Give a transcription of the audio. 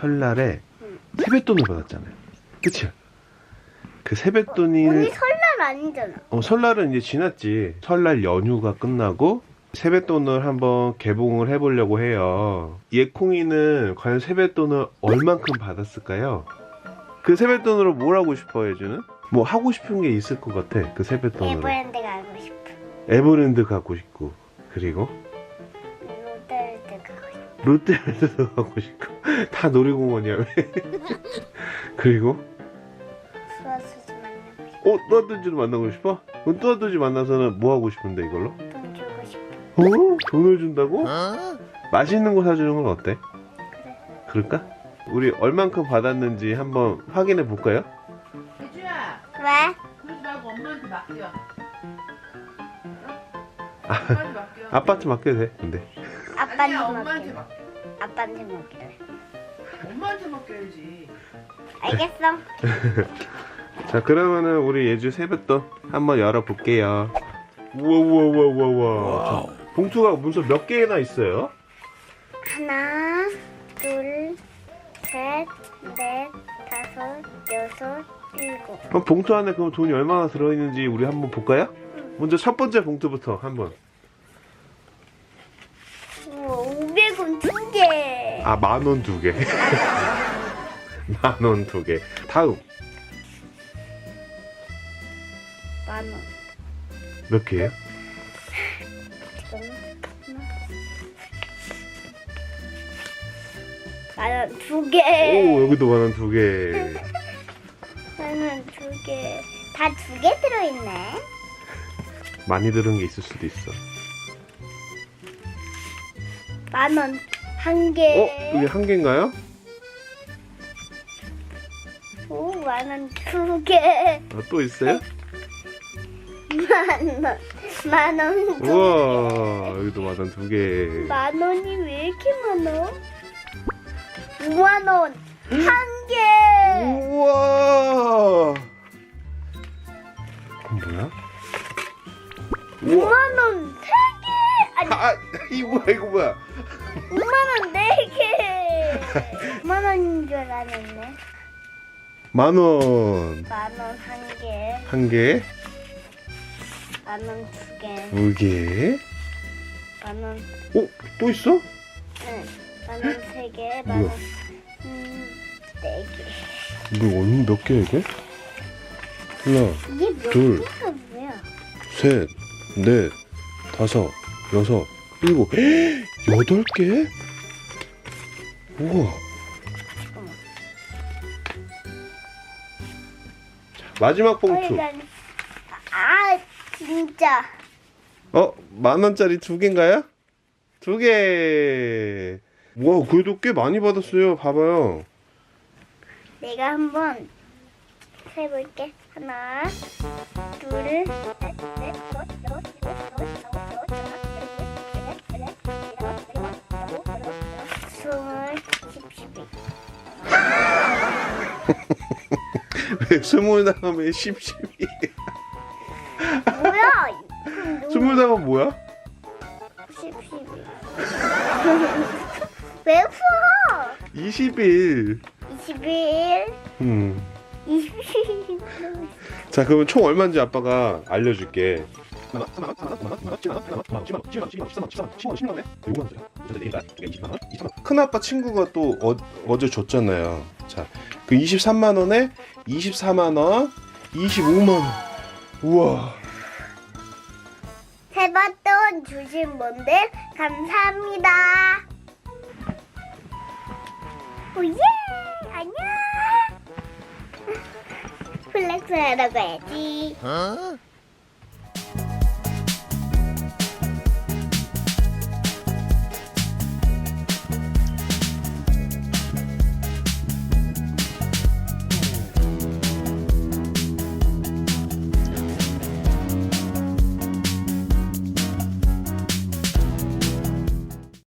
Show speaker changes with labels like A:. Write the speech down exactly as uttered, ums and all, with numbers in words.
A: 설날에
B: 응.
A: 세뱃돈을 받았잖아요. 그치? 그 세뱃돈이
B: 언니 설날 아니잖아.
A: 어, 설날은 이제 지났지. 설날 연휴가 끝나고 세뱃돈을 한번 개봉을 해보려고 해요. 예콩이는 과연 세뱃돈을 얼만큼 받았을까요? 그 세뱃돈으로 뭘 하고 싶어, 예주는? 뭐 하고 싶은 게 있을 것 같아, 그 세뱃돈으로.
B: 에버랜드 가고 싶어.
A: 에버랜드 가고 싶고, 그리고
B: 롯데월드 가고 싶어.
A: 롯데월드도 가고 싶고. 다 놀이공원이야, 왜? 그리고
B: 수아수지 만나고 싶어.
A: 어? 뚜아뚜지를 만나고 싶어? 그럼 뚜아뚜지 만나서는 뭐 하고 싶은데, 이걸로?
B: 돈 주고 싶어.
A: 어? 돈을 준다고? 맛있는 거 사주는 건 어때?
B: 그래.
A: 그럴까? 우리 얼만큼 받았는지 한번 확인해 볼까요?
C: 예주야,
B: 왜?
C: 그러지 말고 엄마한테 맡겨.
A: 아,
C: 엄마한테 맡겨.
A: 아빠한테 맡겨도 돼, 근데.
B: 아빠한테
C: 아니야, 엄마한테
B: 맡길래.
C: 맡겨.
B: 아빠한테 맡길래.
C: 엄마한테 맡겨야지.
B: 알겠어.
A: 자, 그러면은 우리 예주 세뱃돈 한번 열어볼게요. 우와, 우와, 우와, 우와, 우와. 자, 봉투가 무슨 몇 개나 있어요?
B: 하나, 둘, 셋, 넷, 다섯, 여섯, 일곱.
A: 그럼 봉투 안에 그럼 돈이 얼마나 들어있는지 우리 한번 볼까요? 먼저 첫 번째 봉투부터 한번.
B: 우와, 오백 원 두 개.
A: 아, 만 원 두 개. 만 원 두 개. 다음.
B: 만 원.
A: 몇 개예요?
B: 지금 만 원 두 개.
A: 오, 여기도 만 원 두 개.
B: 만 원 두 개. 다 두 개 들어있네.
A: 많이 들은 게 있을 수도 있어.
B: 만 원 한 개.
A: 어? 이게 한 개인가요?
B: 오, 만 원 두 개.
A: 아, 또 있어요?
B: 만 원. 만 원 두
A: 우와, 여기도 만 원 두 개.
B: 만 원이 왜 이렇게 많아? 오만 원 한 개.
A: 우와. 그건 뭐야? 우와.
B: 오만 원 세 개. 아니,
A: 아, 이거 뭐야, 이거 뭐야?
B: 오만 원 네 개. 오만 원인 줄 알았네.
A: 만 원.
B: 만 원 한 개.
A: 한 개,
B: 만 원 두 개.
A: 두 개.
B: 만 원.
A: 어? 또 있어?
B: 응. 만 원 세 개. 만
A: 뭐야?
B: 원. 음, 네 개.
A: 이거 얼마 몇 개야, 이게? 하나,
B: 이게 몇
A: 둘.
B: 개가 뭐야?
A: 셋, 넷, 다섯, 여섯, 일곱. 여덟 개? 우와.
B: 잠깐만.
A: 마지막 봉투.
B: 어, 난- 아, 진짜.
A: 어? 만 원짜리 두 개인가요? 두 개. 와, 그래도 꽤 많이 받았어요. 봐봐요.
B: 내가 한번 세볼게. 하나, 둘, 셋, 넷, 다섯, 여섯, 일곱, 여덟, 아홉, 열, 하나, 둘, 셋, 넷, 다섯, 여섯, 일곱, 여덟, 아홉, 스물, 십, 십일.
A: 왜 스물 다음에 십, 십이?
B: 뭐야? 그럼 누구-
A: 스물 다음은 뭐야?
B: 십, 십일. 왜 풀어?
A: 이십일.
B: 이십일,
A: 음.
B: 이십일.
A: 자, 그러면 총 얼마인지 아빠가 알려줄게. 큰아빠 친구가 또 어, 어제 줬잖아요. 자, 그 이십삼만 원에 이십사만 원, 이십오만 원. 우와.
B: 세뱃돈 주신 분들 감사합니다. 오예! 안녕! 플렉스 하러 가야지.